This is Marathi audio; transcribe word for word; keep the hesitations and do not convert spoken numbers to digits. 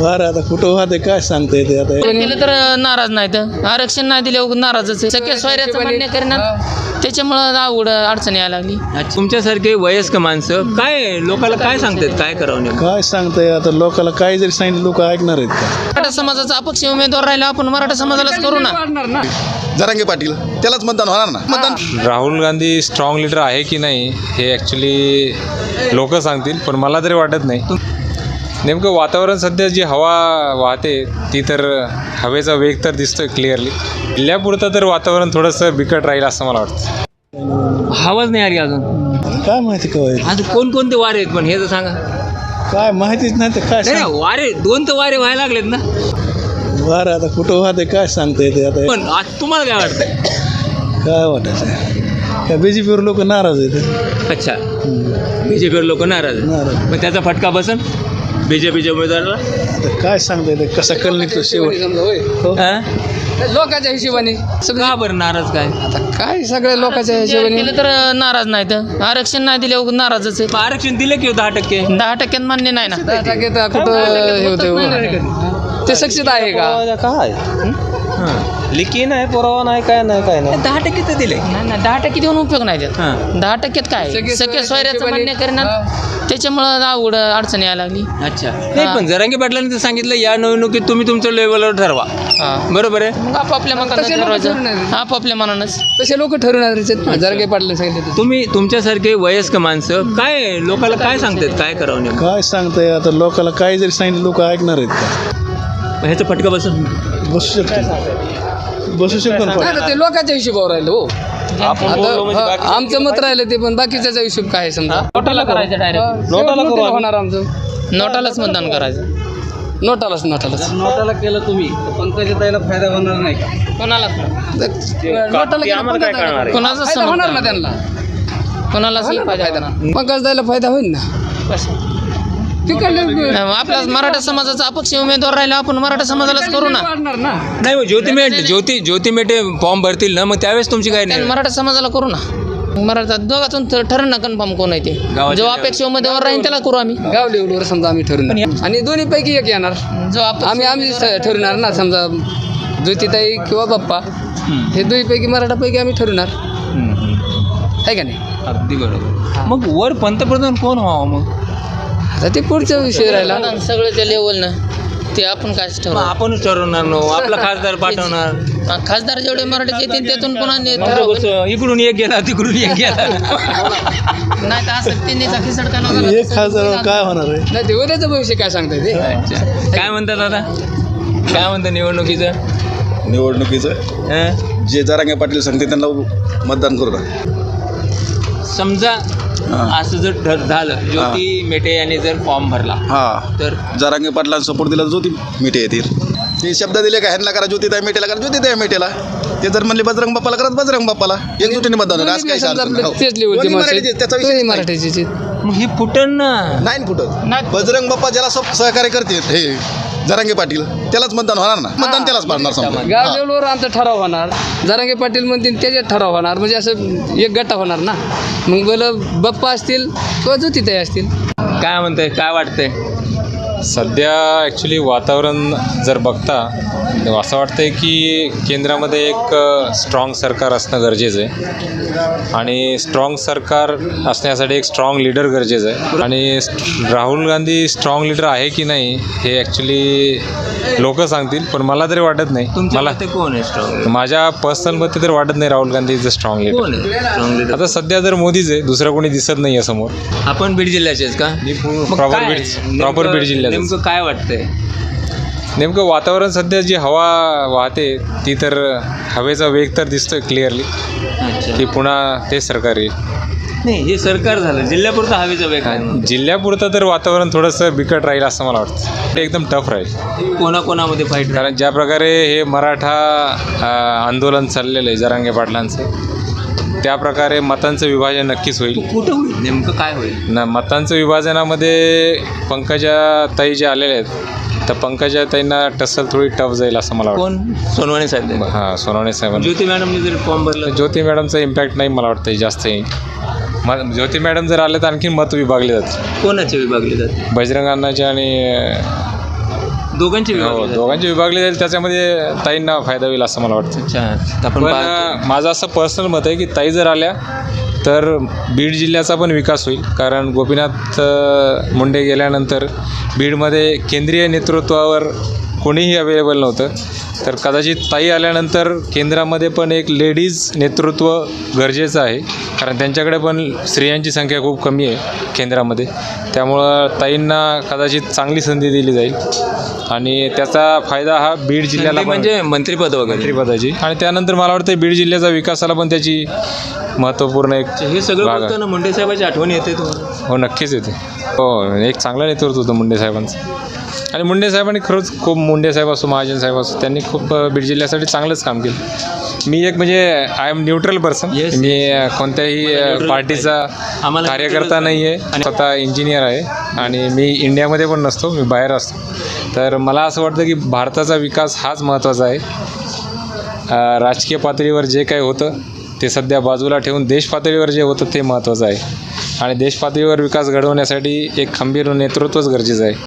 बरं आता कुठं वाहते काय सांगता येते आता. केलं तर नाराज नाहीत, आरक्षण नाही दिल्यावर नाराजच आहे. सगळ्या सोयऱ्याचं मान्य करणार, त्याच्यामुळं अवघड अडचण यायला लागली. तुमच्यासारखे वयस्क माणसं काय लोकांना काय सांगतात, काय करावं नेमकं? काय सांगताय आता, लोकांना काय जरी सांगितलं लोक ऐकणार आहेत का. मराठा समाजाचा अपक्ष उमेदवार राहिला, आपण मराठा समाजालाच करू ना. जरांगे पाटील त्यालाच मतदान होणार ना. मतदान राहुल गांधी स्ट्रॉंग लीडर आहे की नाही हे ॲक्च्युली लोक सांगतील, पण मला तरी वाटत नाही. नेमकं वातावरण सध्या जी हवा वाहते ती तर हवेचा वेग तर दिसतोय क्लिअरली. जिल्ह्यापुरतं तर वातावरण थोडंसं बिकट राहील असं मला वाटतं. हवाच नाही आली अजून. काय माहिती काय आज कोणकोणते वारे आहेत पण हे तर सांगा. काय माहितीच नाही तर काय नाही सांग. ना, वारे दोन तर वारे व्हायला लागलेत ना. बरं आता कुठं वाहते काय सांगता येते आता. पण आज तुम्हाला काय वाटतं? काय वाटायचं काय, बी जे पीवर लोक नाराज आहेत. अच्छा, बीजेपीवर लोक नाराज आहेत. नाराज मग त्याचा फटका बसन बीजेपीच्या उमेदवाराला. आता काय सांगता येते, कसा कल निघतो शेवट. हो. हा? लोकांच्या हिशोबाने का बरं नाराज काय? आता काय सगळ्या लोकांच्या हिशोबाने केलं तर नाराज नाहीत, आरक्षण नाही दिल्यावर नाराजच आहे. मग आरक्षण दिलं की दहा टक्के दहा टक्क्यात मान्य नाही ना. दहा टक्के तर कुठं हे होतं, ते सक्सेस आहे का? काय लिखी नाही, पुरावा नाही, काय नाही काय नाही. दहा टक्के तर दिले. नाही ना, दहा टक्के देऊन उपयोग नाही त्यात. हां. दहा टक्क्यात काय सगळे सगळ्या सोयऱ्याचं हिशोबाने- मान्य करणार, त्याच्यामुळं अवघड अडचण यायला लागली. अच्छा, नाही पण जरांगे पाटलांनी तर सांगितलं या निवडणुकीत तुम्ही तुमच्या लेवलवर ठरवा. हां. बरोबर आहे. मग आपापल्या मनानं तसे लोकं ठरवायचं. ठरवणार. आपापल्या मनानंच. तसे लोक ठरवणार जरगे पाटले सांगितले. तुम्ही तुमच्यासारखे वयस्क माणसं काय लोकांना काय सांगतात, काय करावं नेमकं? काय सांगताय आता, लोकांना काय जरी सांगितलं लोक ऐकणार आहेत का. मग ह्याचा फटका बसून बसू शकतो बसू शकतो ना. नाही, ते लोकांच्या हिशोबावर राहिलं हो. आपण बोललो म्हणजे आता बाकी- हा, आमचं मत राहिलं ते, पण बाकीच्याचा हिशोब काय आहे समजा. नोटाला करायचं डायरेक्ट, नोटाला होणार आमचं. नोटालाच मतदान करायचं. नोटालाच नोटालाच नोटाला केलं तुम्ही पंकजा ताईला फायदा होणार नाही का? कोणालाच नोटाला केलं आम्हाला काय पंकज करणार आहे? कोणाचाच फायदा होणार ना समजणार त्यांना. कोणालाच फायदा होणार. पंकज द्यायला फायदा होईल ना. कसं? तिकडले आपला मराठा समाजाचा अपक्ष उमेदवार राहिला, आपण मराठा समाजालाच करू ना. वाढणार ना. नाही, मग ज्योती मेटे ज्योती ज्योती मेटे फॉर्म भरतील ना, मग त्यावेळेस तुमची काय त्यानं नाही. मराठा समाजाला करू ना. मराठा दोघातून ठरण ना कन्फर्म कोण आहे ते. गावाच्या जो अपेक्ष उमेदवार राहील त्याला करू आम्ही. गाव लेवलवर समजा आम्ही ठरवणार आणि दोन्ही पैकी एक येणार. जो अपेक्ष आम्ही आम्ही स- ठरवणार ना, समजा ज्योतिताई किंवा बाप्पा हे दोन्हीपैकी मराठापैकी आम्ही ठरवणार आहे का नाही. अगदी बरोबर. मग वर पंतप्रधान कोण व्हावं मग? आता ते पुढचा विषय राहिला. सगळं त्या लेवलनं ते आपण काय मग ठरवू. आपणच ठरवणार नो, आपला खासदार पाठवणार. खासदार जेवढे मराठीचे येतील त्यातून कोणा मग इकडून एक गेला तिकडून एक गेला. नाही तर असं त्यांनी खिसड एक हजार काय होणार आहे. नाही, ते उद्याचं भविष्य काय सांगताय ते. अच्छा, काय म्हणतात आता, काय म्हणतात निवडणुकीचं? निवडणुकीचं हं? जे जरांगे पाटील सांगते त्यांना मतदान करू ना. समजा असं जर ठर झालं, ज्योती मेटे यांनी जर फॉर्म भरला हा, तर जरांगे पाटलांना सपोर्ट दिला ज्योती मेटे येतील. ते शब्द दिले का ह्यांना करा ज्योतिताई मेटेला करा ज्योतिताई मेटेला. ते जर म्हणले बजरंग बाप्पाला करत बजरंग बाप्पाला. एकजुटीने मतदान होणार. आज काही समजा अडचण आपलं नाही. तेच लेवलचे दोन्ही माणसं मराठीचे, त्याचा आहेत. विषय दोन्ही नाही. मराठीचे मग हे फुटन ना. नाही ना फुटत. बजरंग बाप्पा ज्याला सह- सहकार्य करतील हे जरांगे पाटील त्यालाच मतदान होणार ना. मतदान त्यालाच पाडणार समजा. गाव लेवलवर आमचा ठराव होणार. जरांगे पाटील म्हणतील त्याच्यात ठराव होणार. म्हणजे असं एक गट्टा होणार ना. मग बोलं बाप्पा असतील किंवा ज्योतिताई असतील. काय म्हणतंय, काय वाटतंय? सध्या ॲक्च्युली वातावरण जर बघता असं वाटतंय की केंद्रामध्ये एक स्ट्रॉंग सरकार असणं गरजेचं आहे आणि स्ट्रॉंग सरकार असण्यासाठी एक स्ट्रॉंग लीडर गरजेचं आहे. आणि राहुल गांधी स्ट्रॉंग लीडर आहे की नाही हे ॲक्च्युली लोक सांगतील, पण मला तरी वाटत नाही. तुमच्या मला मते कोण आहे स्ट्रॉंग? माझ्या पर्सनल मते तर वाटत नाही Rahul Gandhi is a strong leader. कोण आहे स्ट्रॉंग लीडर? आता सध्या जर मोदीच आहे, दुसरं कोणी दिसत नाही आहे समोर. आपण बीड जिल्ह्याचेच का? मग प्रॉपर काय? बीड नेमकं- प्रॉपर बीड जिल्ह्याचं. नेमकं काय वाटतंय? नेमकं वातावरण सध्या जी हवा वाहते ती तर हवेचा वेग तर दिसतोय क्लिअरली अच्छा, की पुन्हा ते सरकार येईल. नाही हे सरकार झालं, जिल्ह्यापुरतं हवेचा वेग आहे. जिल्ह्यापुरतं तर वातावरण थोडंसं बिकट राहील असं मला वाटतं. ते एकदम टफ राहील. कोणाकोणामध्ये फाईट? कारण ज्या प्रकारे हे मराठा अ, आंदोलन चाललेलं आहे जरांगे पाटलांचं, त्या प्रकारे मतांचं विभाजन नक्कीच होईल. कुठं होईल नेमकं, काय होईल? ना मतांचं विभाजनामध्ये पंकजा ताई जे आलेले आहेत तर पंकजा ताईंना टसल थोडी टफ जाईल असं मला वाटतं. कोण? सोनवणे साहेब. हां, सोनवणे साहेबांना. ज्योती मॅडमने जर फॉर्म भरला, ज्योती मॅडमचा इम्पॅक्ट नाही मला वाटतं जास्त येईल. म ज्योती मॅडम जर आले तर आणखी मत विभागले जातील. कोणाचे विभागले जाते? बजरंग अण्णाचे आणि दोघांची हो विभागणी झाली. दोघांची विभागली जाईल त्याच्यामध्ये ताईंना फायदा होईल असं मला वाटतं. अच्छा तर आपण पण पाहतो. अ, माझं असं पर्सनल मत आहे की ताई जर आल्या तर बीड जिल्ह्याचा पण विकास होईल. कारण गोपीनाथ अ, मुंडे गेल्यानंतर बीडमध्ये केंद्रीय नेतृत्वावर कोणीही अवेलेबल नव्हतं. तर कदाचित ताई आल्यानंतर केंद्रामध्ये पण एक लेडीज नेतृत्व गरजेचं आहे. कारण त्यांच्याकडे पण स्त्रियांची संख्या खूप कमी आहे केंद्रामध्ये. त्यामुळं ताईंना कदाचित चांगली संधी दिली जाईल आणि त्याचा फायदा हा बीड जिल्ह्याला पण- म्हणजे मंत्रिपद वगैरे मंत्रिपदाची. आणि त्यानंतर मला वाटतं बीड जिल्ह्याचा विकासाला पण त्याची महत्त्वपूर्ण एक हे सगळं भाग आहे. बोलताना मुंडे साहेबांची आठवण येते तुम्हाला? हो नक्कीच येते. हो एक चांगलं नेतृत्व होतं मुंडे साहेबांचं. आणि मुंडे साहेबांनी खरंच खूप मुंडे साहेब असो महाजन साहेब असो त्यांनी खूप अ, बीड जिल्ह्यासाठी चांगलंच काम केलं. मी एक म्हणजे I am neutral person. Yes, मी अ, कोणत्याही अ, neutral पार्टीचा आम्हाला कार्यकर्ता नाही आहे. स्वतः इंजिनियर आहे आणि मी इंडियामध्ये पण नसतो, मी बाहेर असतो. तर मला असं वाटतं की भारताचा विकास हाच महत्त्वाचा आहे. अ, राजकीय पातळीवर जे काही होतं ते सध्या बाजूला ठेवून देश पातळीवर जे होतं ते महत्त्वाचं आहे. आणि देश पातळीवर विकास घडवण्यासाठी एक खंबीर नेतृत्वच गरजेचं आहे.